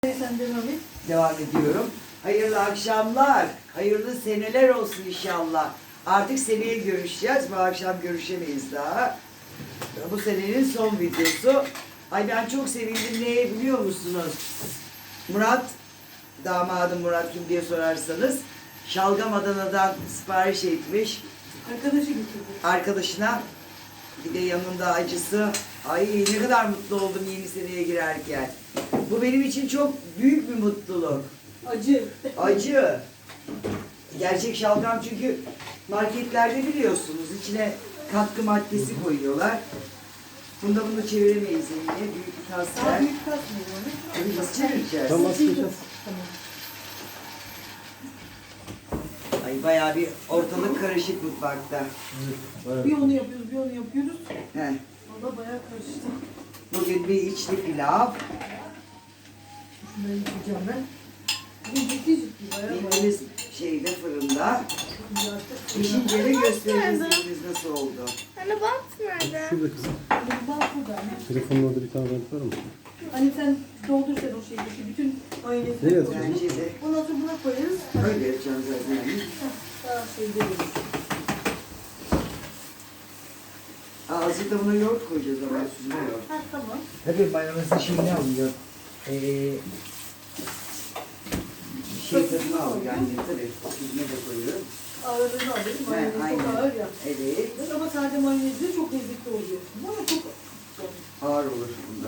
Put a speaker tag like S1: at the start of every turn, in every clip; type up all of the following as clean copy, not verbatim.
S1: Sen devam et.
S2: Devam ediyorum. Hayırlı akşamlar, hayırlı seneler olsun inşallah. Artık seneye görüşeceğiz. Bu akşam görüşemeyiz daha. Bu senenin son videosu. Ay ben çok sevindim. Neye biliyor musunuz? Murat, damadım Murat kim diye sorarsanız, Şalgam Adana'dan sipariş etmiş.
S1: Arkadaşı getirdi.
S2: Arkadaşına, bir de yanında acısı. Ay ne kadar mutlu oldum yeni seneye girerken. Bu benim için çok büyük bir mutluluk.
S1: Acı.
S2: Acı. Gerçek şalgam çünkü marketlerde biliyorsunuz içine katkı maddesi koyuyorlar. Bunda bunu çeviremeyiz yine. Büyük bir tas
S1: Daha
S2: ver.
S1: büyük katmıyor onu.
S2: Tabii nasıl çevireceğiz?
S3: Tamam, sıkacağız.
S1: Tamam.
S2: Ay bayağı bir ortalık karışık mutfakta.
S1: Bir onu yapıyoruz, bir onu yapıyoruz.
S2: Heh.
S1: O da bayağı karıştı.
S2: Bugün bir içli pilav.
S1: Şunları yıkayacağım ben. Bugün ciddi bayağı
S2: Bildiğiniz şeyde fırında.
S1: artık.
S2: Pişince de gösteririz biz nasıl oldu.
S4: Anne bant nerede?
S3: Şurada kızım.
S1: Bak burada anne.
S3: Telefonun orada bir tane renk var mı?
S1: Hani sen doldur sen o şeydeki bütün mayonezi.
S3: Ne yazıyor?
S2: Bence de
S1: Ondan sonra buna koyarız.
S2: öyle yapacağız zaten.
S1: Daha şey değil.
S2: Azıcık da buna yoğurt koyacağız ama süzme yoğurt.
S1: Ha tamam.
S2: Tabii mayonezin şeyini alıyor. Şey tadını alıyor yani tabii. Süzme de koyuyorum.
S1: Ağırlığını alayım. Mayonez çok
S2: aynen.
S1: ağır ya.
S2: Evet.
S1: Ama sade mayonezle çok lezzetli oluyor. Ama çok
S2: Ağır olur bunda.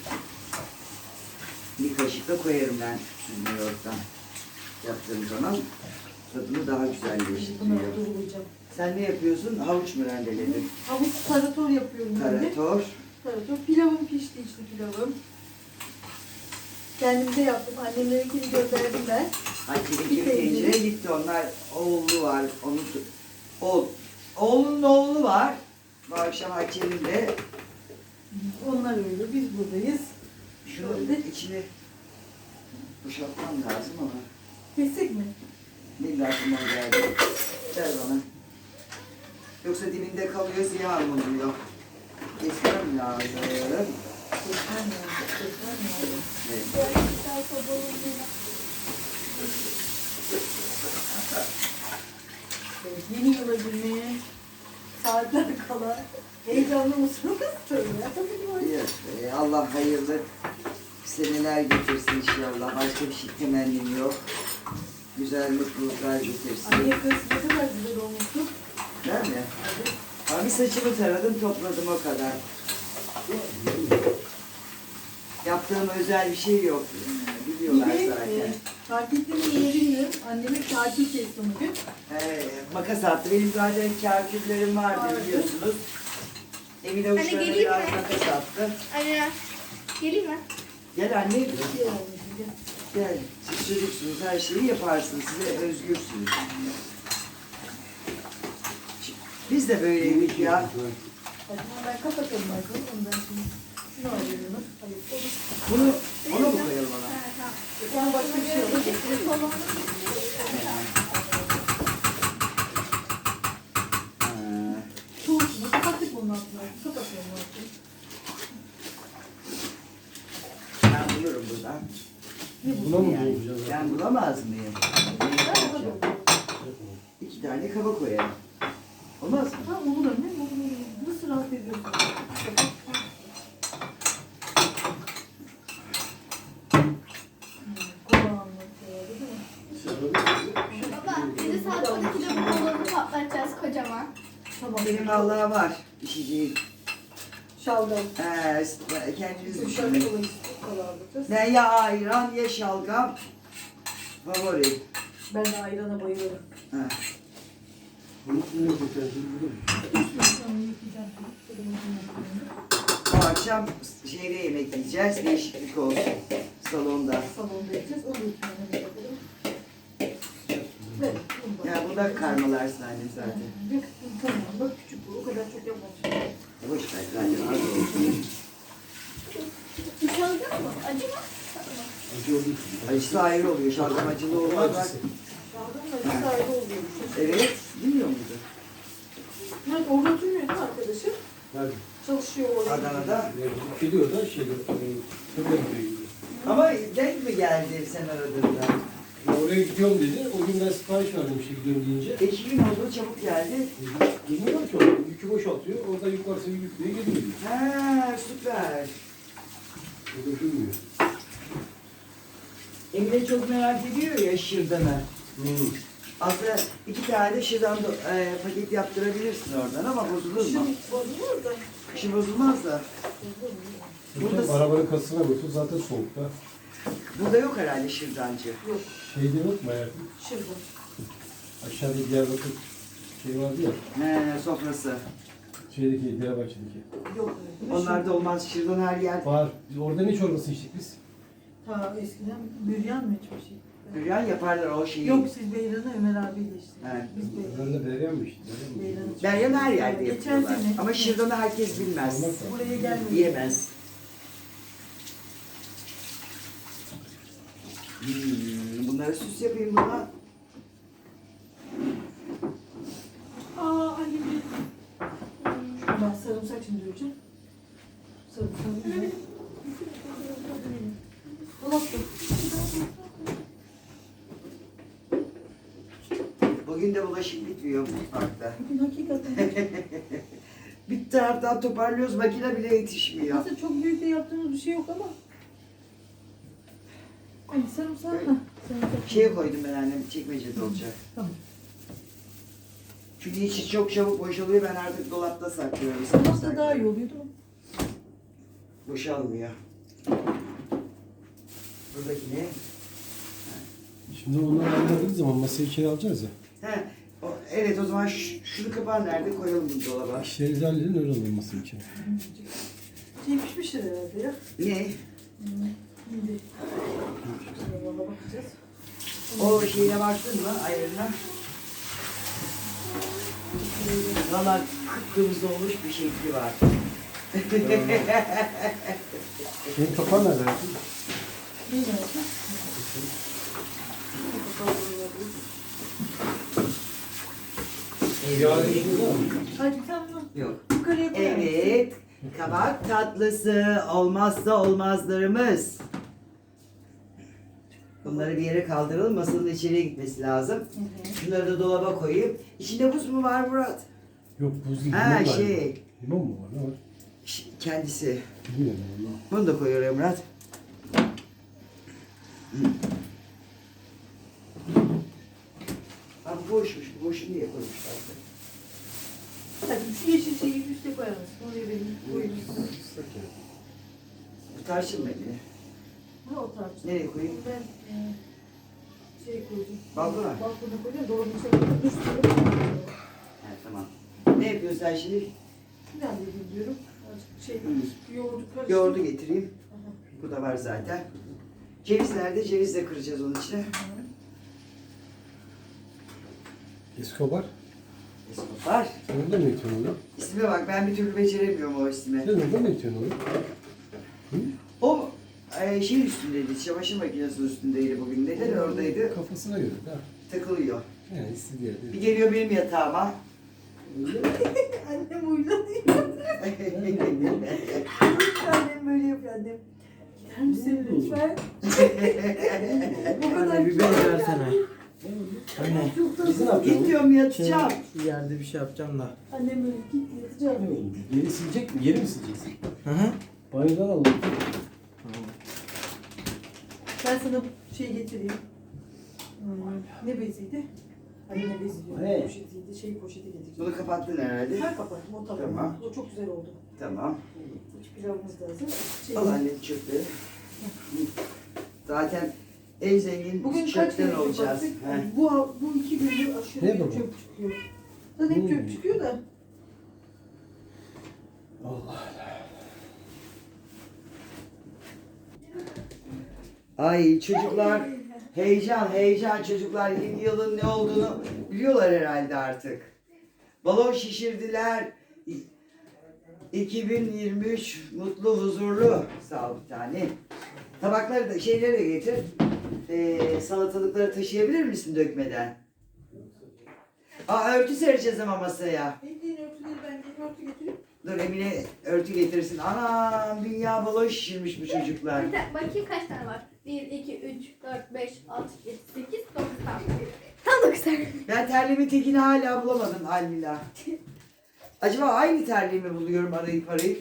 S2: Bir kaşık da koyarım ben süzme yoğurttan. Yaptığım zaman tadını daha
S1: bunları
S2: güzelleştiriyor.
S1: doğrayacağım.
S2: Sen ne yapıyorsun? Havuç mu rendeledin?
S1: Havuç tarator yapıyorum ben de.
S2: Tarator.
S1: Tarator. Pilavım pişti işte pilavım. Kendim de yaptım. Annemlerinkini gönderdim ben.
S2: Hatice'nin
S1: Bir
S2: tencere
S1: tencere.
S2: gitti. Onlar oğlu var. Oğlunun oğlu var. Bu akşam Hatice'nin de
S1: Onlar öyle. Biz buradayız.
S2: şunun içine boşaltmam lazım ama
S1: Kesik mi?
S2: ne aklıma geldi. Ver bana. Yoksa dibinde kalıyor ziyan oluyor. Kesmem lazım.
S1: Kesmem lazım. Kesmem lazım.
S2: Evet.
S1: Evet, yeni yıla girmeye saatler kala. Heyecanlı mısınız? Söyle.
S2: Evet, Allah hayırlı seneler getirsin inşallah. Başka bir şey temennim yok. Güzel mutluluklar getirsin.
S1: Anne kız ne kadar güzel olmuşsun.
S2: Değil mi? Abi saçımı taradım, topladım o kadar. Yaptığım özel bir şey yok. Biliyorlar
S1: Bir de
S2: zaten.
S1: fark ettim mi bilmiyorum. Anneme tatil kestim bugün.
S2: Makas attı. Benim zaten kârküllerim vardı
S1: Vardı.
S2: biliyorsunuz. Emine uçlarına
S4: geleyim
S2: biraz
S4: mi?
S2: makas attı.
S4: Anne geleyim mi?
S2: Gel anne.
S1: Bir şey almışım, gel.
S2: Gel. Siz çocuksunuz, her şeyi yaparsınız. Size özgürsünüz. Biz de böyleydik ya.
S1: Hadi ben kapatalım bakalım. Ondan şimdi şunu alıyorum. Hayır, olur.
S2: Bunu, ona mı koyalım ona?
S1: Ben başka bir şey alayım.
S2: Ha.
S1: Soğutma. Kapattık bunun altına. Kapatıyorum altını.
S2: Ben bulurum buradan.
S3: Buna mı
S2: Yani,
S3: bulacağız?
S2: ben bulamaz mıyım?
S1: Ben kapatıyorum.
S2: 2 tane kaba koyarım. Olmaz mı?
S1: Ha olur anne. Olur. Nasıl rahat ediyorsun?
S4: Baba bizi saat 12'de bu balonu patlatacağız kocaman.
S1: Tamam.
S2: Benim Allah'a var işeceğim.
S1: Şalgam.
S2: Kendiniz
S1: Sıcak
S2: düşünün.
S1: kola kalardık.
S2: Ben ya ayran ya şalgam. Favori.
S1: Ben de ayrana bayılırım.
S2: Ha.
S3: Bunu ne yapacağız?
S2: Bu akşam şeyde yemek yiyeceğiz. Değişiklik olsun. Salonda.
S1: Salonda yiyeceğiz. Onu yıkayalım. Yapalım. Evet. bunu da-
S2: Ya bu da karmalarsın annem zaten.
S1: Tamam. Bak küçük bu. O kadar çok yapmamışım.
S2: Boş ver zaten az olsun.
S4: Şalgam mı? Acı mı?
S3: Acı olduğu
S2: Acısı ayrı oluyor. Şalgam acılı olmaz. Bak.
S1: Şalgam da bir ayrı oluyormuş.
S2: Evet. Bilmiyor muydun?
S1: Evet, orada oturmuyor değil mi arkadaşım?
S3: Nerede?
S1: Çalışıyor orada.
S2: Adana'da.
S3: Geliyor da şeyde. Şurada gidiyor.
S2: Ama denk mi geldi sen aradığında?
S3: Ya oraya gidiyorum dedi. O gün ben sipariş verdim işte gidiyorum deyince.
S2: 2 gün oldu çabuk geldi.
S3: Bilmiyorum ki o. Yükü boşaltıyor. Orada yük varsa yüklüyor geliyor diyor.
S2: Ha süper.
S3: O da bilmiyor.
S2: Emine çok merak ediyor ya şırdanı. Aslında 2 tane de şırdan paket yaptırabilirsin oradan ama bozulur mu?
S1: Kışın bozulur da.
S2: Kışın bozulmaz da.
S3: Burada arabanın kasasına götür zaten soğukta.
S2: Burada yok herhalde şırdancı.
S1: Yok.
S3: Şeyde yok mu hayatım?
S1: Şırdan.
S3: Aşağıda Diyarbakır şey vardı ya.
S2: He sofrası.
S3: Şeydeki Diyarbakır'daki.
S1: Yok.
S2: Onlarda olmaz şırdan her yer.
S3: Var. Biz orada ne çorbası içtik biz?
S1: Ta eskiden büryan mı içmiştik?
S2: Büryan yaparlar o şeyi.
S1: Yok siz Beyran'ı Ömer abiyle içtiniz.
S2: He.
S1: Biz Beyran.
S3: Onların da Beyran mı içtik?
S1: Beyran içmiştik.
S2: Büryan her yerde
S1: Geçen
S2: yapıyorlar.
S1: sene.
S2: Ama şırdanı herkes bilmez.
S3: Olmaz da.
S1: Buraya gelmedi.
S2: Yiyemez. Bunlara süs yapayım buna.
S1: Anneciğim. Ben sarımsak şimdi döveceğim. Sarımsak. Dolapta.
S2: Bugün de bulaşık bitmiyor mutfakta.
S1: Bugün hakikaten.
S2: Bir taraftan toparlıyoruz, makine bile yetişmiyor.
S1: Aslında çok büyük de yaptığımız bir şey yok ama. Ay sarımsak mı? Sarımsak.
S2: Şeye koydum ben annem, çekmecede olacak.
S1: Tamam.
S2: Çünkü içi çok çabuk boşalıyor, ben artık dolapta saklıyorum.
S1: Sarımsak daha iyi oluyor değil mi?
S2: Boşalmıyor. Buradaki ne?
S3: Şimdi onları ayırmadığımız zaman masayı içeri alacağız ya.
S2: He, evet o zaman şunu kapağı nerede koyalım bu dolaba?
S3: İşlerinizi halledin öyle alın masayı içeri.
S1: Şey pişmiştir herhalde ya.
S2: Ne?
S1: Şimdi. Valla bakacağız.
S2: O şeyine baktın mı ayarına? Valla kıpkırmızı olmuş bir şekli var.
S3: Benim kapağı nerede hayatım?
S1: Ne yapacağız?
S3: Yarın işiniz var mı?
S1: Hadi tamam.
S2: Yok.
S1: Yukarıya koyalım.
S2: Evet, kabak tatlısı olmazsa olmazlarımız. Bunları bir yere kaldıralım, masanın içeriye gitmesi lazım. Şunları da dolaba koyayım. İçinde buz mu var Murat?
S3: Yok buz değil.
S2: Ha
S3: limon var.
S2: şey,
S3: Limon mu var? Ne var?
S2: kendisi.
S3: Bilmiyorum ben onu.
S2: Bunu da koyuyorum Murat. Ha bu boşmuş, bu boşu niye koymuşlar?
S1: Hadi şu yeşil şeyi üste koyalım. Oraya benim koyayım.
S3: Islak ya.
S2: Bu tarçın beni.
S1: Ha o tarz.
S2: Nereye koyayım?
S1: Ben şey koyacağım.
S2: Balkona.
S1: Balkona koyacağım. Dolabın içine koyacağım. Üstüne
S2: Ha, tamam. Ne yapıyorsun sen şimdi?
S1: ne halledeyim diyorum. Azıcık şey yoğurdu karıştırdım.
S2: Yoğurdu getireyim.
S1: Aha.
S2: Bu da var zaten. Ceviz nerede? Ceviz de kıracağız onun içine.
S3: Escobar.
S2: Var.
S3: Sen orada mı yetiyorsun onu?
S2: İsme bak, ben bir türlü beceremiyorum o ismi.
S3: Sen orada mı yetiyorsun onu?
S2: O şey üstündeydi, çamaşır makinesinin üstündeydi bugün. Neden oradaydı?
S3: Kafasına göre de.
S2: Takılıyor.
S3: Yani istediği yerde.
S2: Bir geliyor benim yatağıma.
S1: Annem uylanıyor. Annem böyle yapıyor annem. Gider misin lütfen? Bu kadar
S5: Anne bir bez versene. Anne
S1: çok da
S3: Biz ne yapacağız?
S2: Gidiyorum yatacağım.
S5: şu yerde bir şey yapacağım da.
S1: Annem böyle git yatacağım.
S3: Ne oldu? Yeri silecek mi? Yeri mi sileceksin?
S5: Hı hı.
S3: Banyodan alalım.
S5: Tamam.
S1: Ben sana şey getireyim. Ne beziydi? Ay ne bezi diyorum.
S3: Ne?
S1: Poşetiydi. Şey poşeti getireceğim.
S2: Bunu kapattın herhalde.
S1: Her kapattım o tabağı.
S2: Tamam.
S1: O çok güzel oldu.
S2: Tamam.
S1: İç pilavımız da hazır. Şey,
S2: Al annem çöpleri. Zaten en zengin
S1: bugün kaç
S2: çöpten
S1: kere
S2: olacağız.
S1: baktık.
S2: He.
S1: Bu 2 gündür aşırı
S3: Ne
S1: bir
S3: baba?
S1: çöp çıkıyor. Zaten hep çöp çıkıyor da.
S3: Allah.
S2: Ay çocuklar, heyecan çocuklar yeni yılın ne olduğunu biliyorlar herhalde artık. Balon şişirdiler. 2023 mutlu huzurlu. Sağ ol bir tane. Tabakları da şeyleri de getir. Salatalıkları taşıyabilir misin dökmeden? Aa örtü sereceğiz ama masaya.
S1: Bildiğin örtüleri ben gelip örtü getireyim.
S2: Dur Emine örtü getirsin. Anam dünya balon şişirmiş bu çocuklar.
S4: Bakayım kaç tane var. 1, 2, 3, 4, 5, 6, 7, 8, 9 tane. Tam 9 tane.
S2: Ben terliğimin tekini hala bulamadım Almila. Acaba aynı terliği mi buluyorum arayıp arayıp?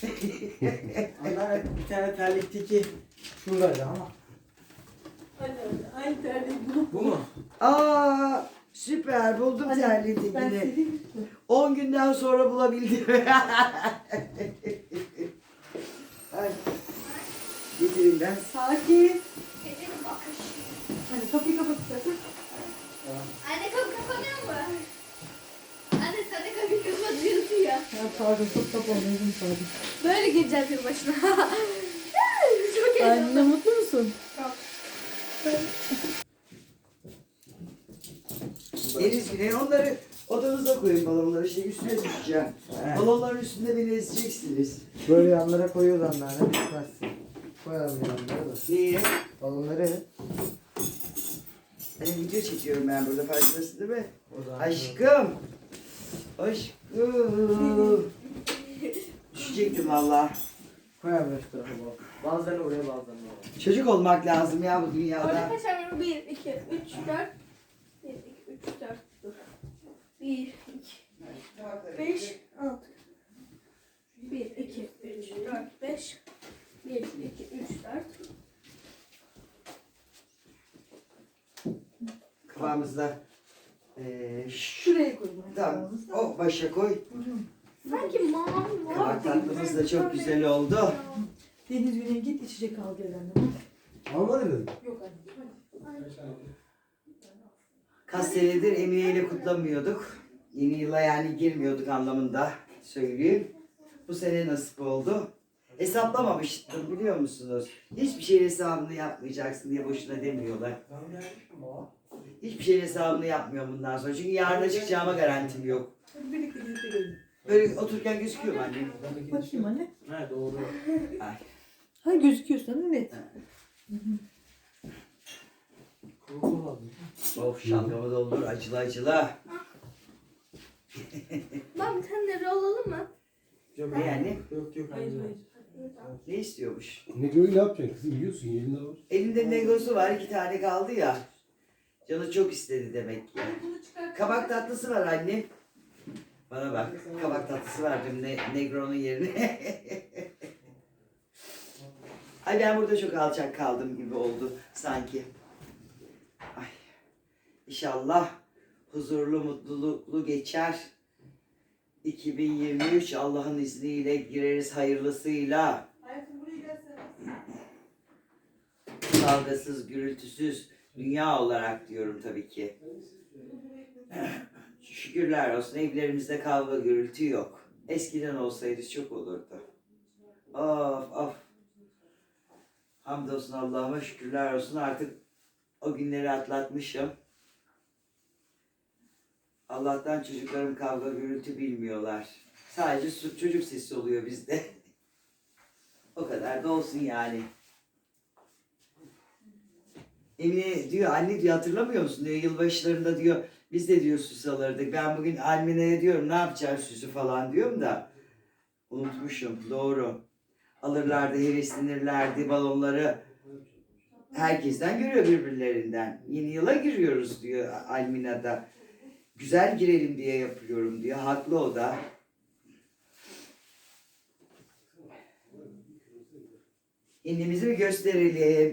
S5: Onlar bir tane terlikteki şuradaydı ama.
S1: Hadi hadi. Aynı terliği bulup.
S5: Bu mu?
S2: Aa süper buldum
S1: Hadi,
S2: terliğin
S1: Ben
S2: tekini.
S1: sileyim.
S2: 10 günden sonra bulabildim. Ay. Getireyim ben.
S1: Sakin.
S4: Gecenin bakış.
S1: Hadi kapıyı kapat istersen.
S4: Anne kapı kapanıyor mu? Anne sen de kapıyı kapatıyorsun ya.
S1: Ya pardon çok kapanıyordum pardon.
S4: Böyle gireceğiz yılbaşına. Çok
S1: Anne
S4: heyecanlı.
S1: mutlu musun?
S4: Çok.
S2: Deniz Güney onları odanıza koyun balonları. Üstüne düşeceğim. Balonların üstünde beni ezeceksiniz.
S5: Böyle yanlara koyuyoruz anneanne. Düşmezsin. Koyalım yanlara da.
S2: Niye?
S5: Balonları.
S2: Hani video çekiyorum ben burada farkındasın değil mi?
S5: O zaman
S2: Aşkım. Aşkım. Düşecektim valla.
S5: koyalım şu tarafa balon. Bazılarını oraya bazılarını oraya.
S2: Çocuk olmak lazım ya bu
S4: Orada
S2: dünyada.
S4: kaç tane var? 1, 2, 3, 4. 1, 2, 3, 4. Dur. 1, 2, 5, 6. 1, 2, 3, 4, 5. 1, 2, 3, 4.
S2: Kafamızda.
S1: Şuraya koyun.
S2: Tamam. O başa koy.
S4: Sanki mavi var.
S2: Kabak tatlımız da çok güzel oldu.
S1: Deniz Güney'e git içecek al gel anne.
S3: Almadı mı?
S1: Yok anne.
S2: Kaç senedir Emine ile kutlamıyorduk. Yeni yıla yani girmiyorduk anlamında söyleyeyim. Bu sene nasip oldu. Hesaplamamıştım biliyor musunuz? Hiçbir şeyin hesabını yapmayacaksın diye boşuna demiyorlar. Hiçbir şeyin hesabını yapmıyorum bundan sonra. Çünkü yarına çıkacağıma garantim yok.
S1: Hadi birlikte gidelim.
S2: Böyle otururken gözüküyor mu annem?
S1: Bakayım anne.
S5: He doğru.
S2: Ay.
S1: Ha gözüküyor sana net.
S5: Kuru kuru aldım.
S2: Of şalgamı doldur acılı acılı.
S4: Bak bir tane rol alalım mı?
S5: Yok
S2: Ne yani?
S5: Yok yok.
S1: Hayır
S5: anne.
S1: hayır.
S2: Ne istiyormuş?
S3: Negro'yu ne yapacaksın kızım? Yiyorsun elinde var.
S2: Elinde negosu var 2 tane kaldı ya. Canı çok istedi demek ki. Kabak tatlısı var anne. Bana bak kabak tatlısı verdim Negro'nun yerine. Ay ben burada çok alçak kaldım gibi oldu sanki. Ay. İnşallah huzurlu mutluluklu geçer. 2023 Allah'ın izniyle gireriz hayırlısıyla.
S1: Hayatım buraya gelsene.
S2: Kavgasız, gürültüsüz dünya olarak diyorum tabii ki. Şükürler olsun evlerimizde kavga gürültü yok. Eskiden olsaydı çok olurdu. Of of. Hamdolsun Allah'ıma şükürler olsun artık o günleri atlatmışım. Allah'tan çocuklarım kavga gürültü bilmiyorlar. Sadece çocuk sesi oluyor bizde. O kadar da olsun yani. Emine diyor anne diyor hatırlamıyor musun diyor yılbaşlarında diyor biz de diyor süs alırdık. Ben bugün Almine'ye diyorum ne yapacağız süsü falan diyorum da unutmuşum doğru. Alırlardı heveslenirlerdi balonları herkesten görüyor birbirlerinden. Yeni yıla giriyoruz diyor Almina'da. Güzel girelim diye yapıyorum diyor. Haklı o da. İnnimizi bir gösterelim.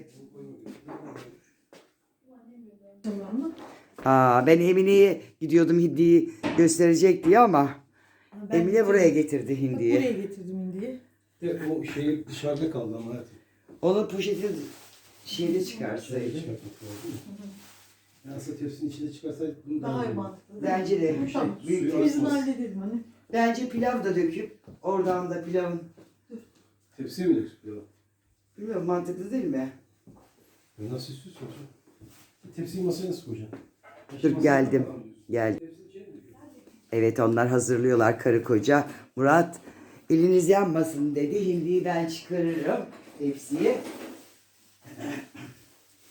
S1: Tamam mı?
S2: Ben Emine'ye gidiyordum hindiyi gösterecek diye ama
S1: Ben
S2: Emine buraya getirdi
S1: Bak,
S2: hindiyi.
S1: buraya getirdim indiği.
S3: De o şey dışarıda kaldı ama hayatım.
S2: Onun poşeti şeyde
S3: Dışarıda
S2: çıkarsaydı.
S3: çıkartmak lazım. Yani aslında tepsinin içinde çıkarsaydı bunu
S1: Daha iyi
S3: iyi.
S1: mantıklı.
S2: Bence de
S1: Tamam.
S2: büyük
S3: Suyu
S2: tepsi.
S1: Biz bunu halledelim hani.
S2: Bence pilav da döküp oradan da pilavın
S3: Tepsiye mi döküyor?
S2: bilmiyorum mantıklı değil mi?
S3: Nasıl istiyorsun hocam? Tepsiyi masaya nasıl koyacaksın?
S2: Dur geldim. Geldim. Evet onlar hazırlıyorlar karı koca. Murat eliniz yanmasın dedi. Hindiyi ben çıkarırım tepsiye.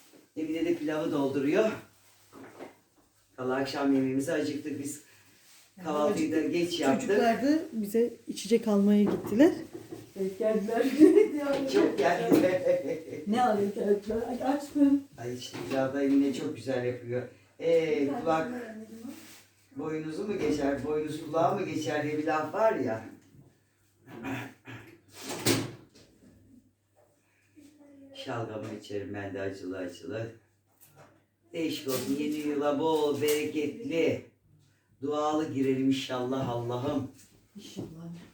S2: Emine de pilavı dolduruyor. Vallahi akşam yemeğimize acıktık biz. Kahvaltıyı da geç yaptık.
S1: Çocuklar da bize içecek almaya gittiler. Evet geldiler.
S2: Çok geldi.
S1: Ne alayım geldiler? Ay açtım.
S2: Ay işte Bilal yine çok güzel yapıyor. Kulak boynuzu mu geçer, boynuz kulağa mı geçer diye bir laf var ya. Şalgamı içerim ben de acılı acılı. Değişik olsun. Yeni yıla bol, bereketli, dualı girelim inşallah Allah'ım.
S1: İnşallah.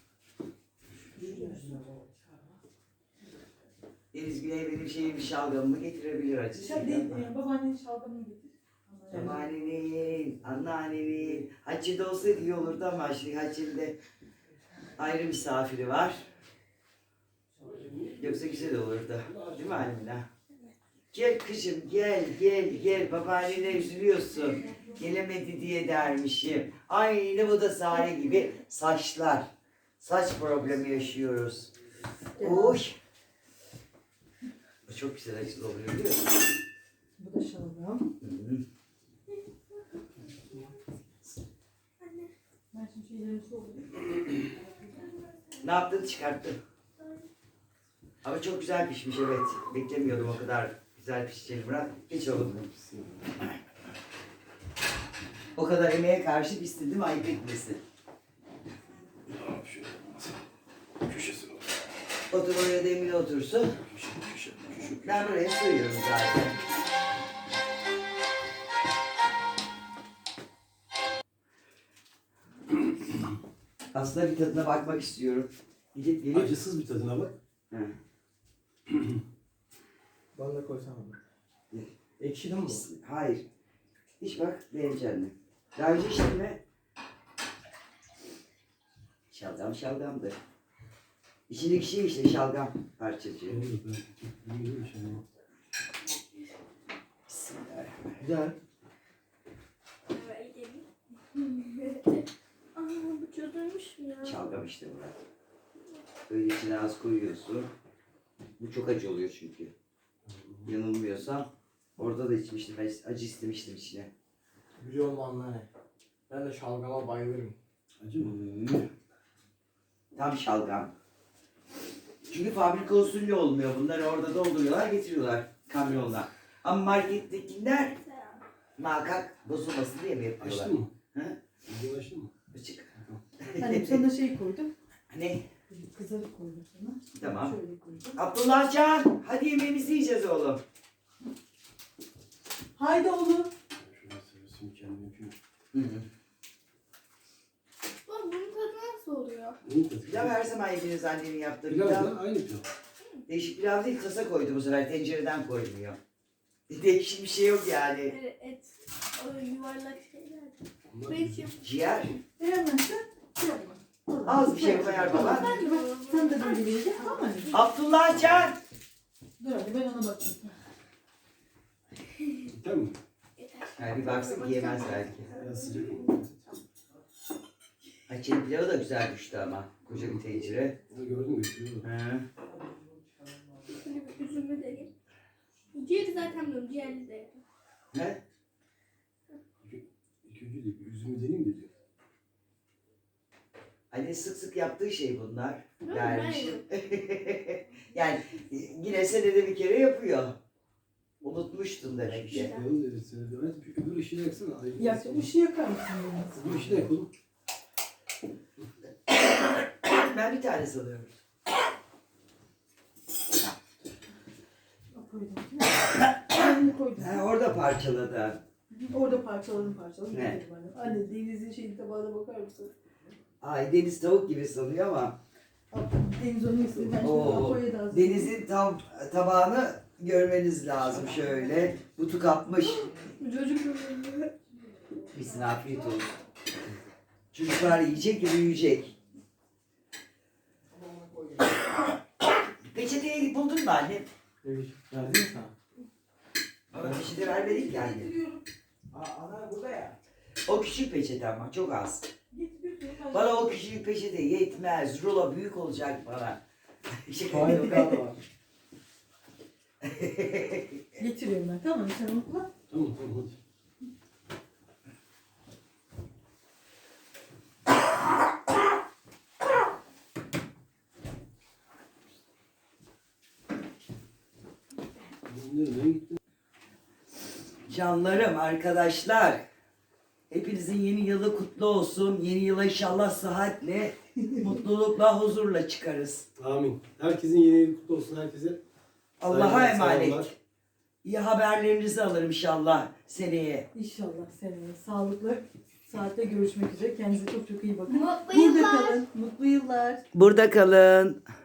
S2: Deniz Güney benim şeyim şalgamımı getirebilir acısıyla.
S1: Babaannenin şalgamını getir.
S2: Babaannenin, anneannenin, Hacı'da olsaydı iyi olurdu ama şimdi Hacı'nda ayrı misafiri var. Yoksa güzel olurdu. Değil mi Almina? Gel kızım gel gel gel babaannene üzülüyorsun. Gelemedi diye dermişim. Aynı bu da Sare gibi saçlar. Saç problemi yaşıyoruz. Oy. Bu çok güzel acılı oluyor biliyor musun?
S1: Bu da şalgam.
S2: Hı.
S1: Ben şimdi şeylerimi soğudum.
S2: Ne yaptın çıkarttın. Ama çok güzel pişmiş evet. Beklemiyordum o kadar güzel pişeceğini Murat. Hiç oğlum. O kadar emeğe karşı istedim ayıp etmesin.
S3: Köşesi var.
S2: Otur oraya da Emine otursun.
S3: Köşe.
S2: Ben buraya sığıyorum zaten. Aslında bir tadına bakmak istiyorum. Gidip gelip...
S3: Acısız bir tadına bak.
S2: Hı.
S5: Bana da koysana.
S2: Ne?
S5: Ekşidi mi bu?
S2: Hayır. Hiç bak beğeneceksin. Daha önce içtin mi? Şalgam şalgamdır. İçindeki şey işte şalgam parçacığı.
S3: Olur ben bilmiyorum şey.
S2: Bismillahirrahmanirrahim.
S5: Güzel.
S4: Aa bu çözülmüş mü ya?
S2: Şalgam işte Murat. Böyle içine az koyuyorsun. Bu çok acı oluyor çünkü. Yanılmıyorsam orada da içmiştim. Ben acı istemiştim içine.
S5: Güzel olmanlar ne? Ben de şalgama bayılırım.
S3: Acı mı?
S2: Tam şalgam. Çünkü fabrika usulü olmuyor. Bunları orada dolduruyorlar, getiriyorlar kamyonla. Ama markettekiler muhakkak bozulmasın diye mi yapıyorlar?
S3: Açtın mı?
S2: Hı?
S3: Video açtın mı?
S2: Açık.
S1: Hani sana şey koydum.
S2: Ne?
S1: Kızarık koydum sana.
S2: Tamam.
S1: Şöyle koydum.
S2: Abdullahcan, hadi yemeğimizi yiyeceğiz oğlum.
S1: Haydi oğlum.
S3: Şöyle seviyorsun kendini yapayım.
S2: Hı hı.
S4: Bak bunun tadı nasıl oluyor?
S3: Neyin tadı?
S2: Pilav her zaman yediğiniz annenin yaptığı
S3: Pilav
S2: pilav.
S3: da aynı pilav.
S2: Değişik pilav değil, kasa koydu bu sefer. Tencereden koymuyor. Değişik bir şey yok yani.
S4: Böyle et. O yuvarlak şeyler.
S3: Onlar
S4: Belki
S2: Ciğer.
S1: Beğenmezsen yapma.
S2: Az bir şey koyar baba.
S1: Ben de bak, sen de böyle vereceksin tamam mı?
S2: Abdullahcan.
S1: Dur hadi ben ona bakayım.
S3: Yeter mi?
S2: Yani bir baksın ki yemez belki.
S3: Biraz sıcak oldu.
S2: Açın pilavı da güzel düştü ama. Koca bir tencere.
S3: Ha, gördün mü? Gördün mü?
S2: Hı.
S4: Şimdi bir üzümü deneyim. Ciğeri zaten biliyorum. Ciğerli de yedim.
S2: He?
S3: İlk önce de bir üzümü deneyeyim de diyor.
S2: Anne sık sık yaptığı şey bunlar.
S4: Değil mi?
S2: Dermiş.
S4: Ben
S2: Yani yine senede bir kere yapıyor. Unutmuştun demek ki.
S3: Yalnız evet sen de. Evet, öbür ışığı yaksana. Ay,
S1: Ya ışığı yakar mısın benim?
S3: öbür ışığı da yakalım.
S2: Ben bir tane sanıyorum.
S1: Koydum. Ben koydum.
S2: Ha, orada parçaladı.
S1: Orada parçaladım.
S2: Ne?
S1: getirdim anne. Anne Deniz'in şeyin tabağına bakar mısın?
S2: Ay deniz tavuk gibi sanıyor ama.
S1: Deniz onu istedi. Ben şimdi
S2: Oo,
S1: Apo'ya da hazırladım.
S2: Deniz'in tabağını görmeniz lazım şöyle. Butu kapmış.
S4: Çocuk böyle.
S2: Bizine afiyet olsun. Çocuklar yiyecek, büyüyecek. Peçeteyi buldun mu anne?
S5: Verdin mi sana?
S2: Bana peçete vermedik yani.
S5: Ana burada ya.
S2: O küçük peçete ama çok az.
S1: Getiriyorsun.
S2: Bana o küçük peçete yetmez. Rulo büyük olacak bana.
S5: Hayır yukarıda var.
S1: Getiriyorum ben. Tamam sen onu kullan.
S3: Tamam hadi.
S2: Canlarım, arkadaşlar. Hepinizin yeni yılı kutlu olsun. Yeni yıla inşallah sıhhatle, mutlulukla, huzurla çıkarız.
S3: Amin. Herkesin yeni yılı kutlu olsun herkese.
S2: Allah'a
S3: Saygılar,
S2: emanet.
S3: selamlar.
S2: İyi haberlerinizi alırım inşallah seneye.
S1: İnşallah seninle sağlıklı saatte görüşmek üzere. Kendinize çok çok iyi bakın.
S4: Mutlu
S1: Burada
S4: yıllar.
S1: kalın. Mutlu yıllar.
S2: Burada kalın.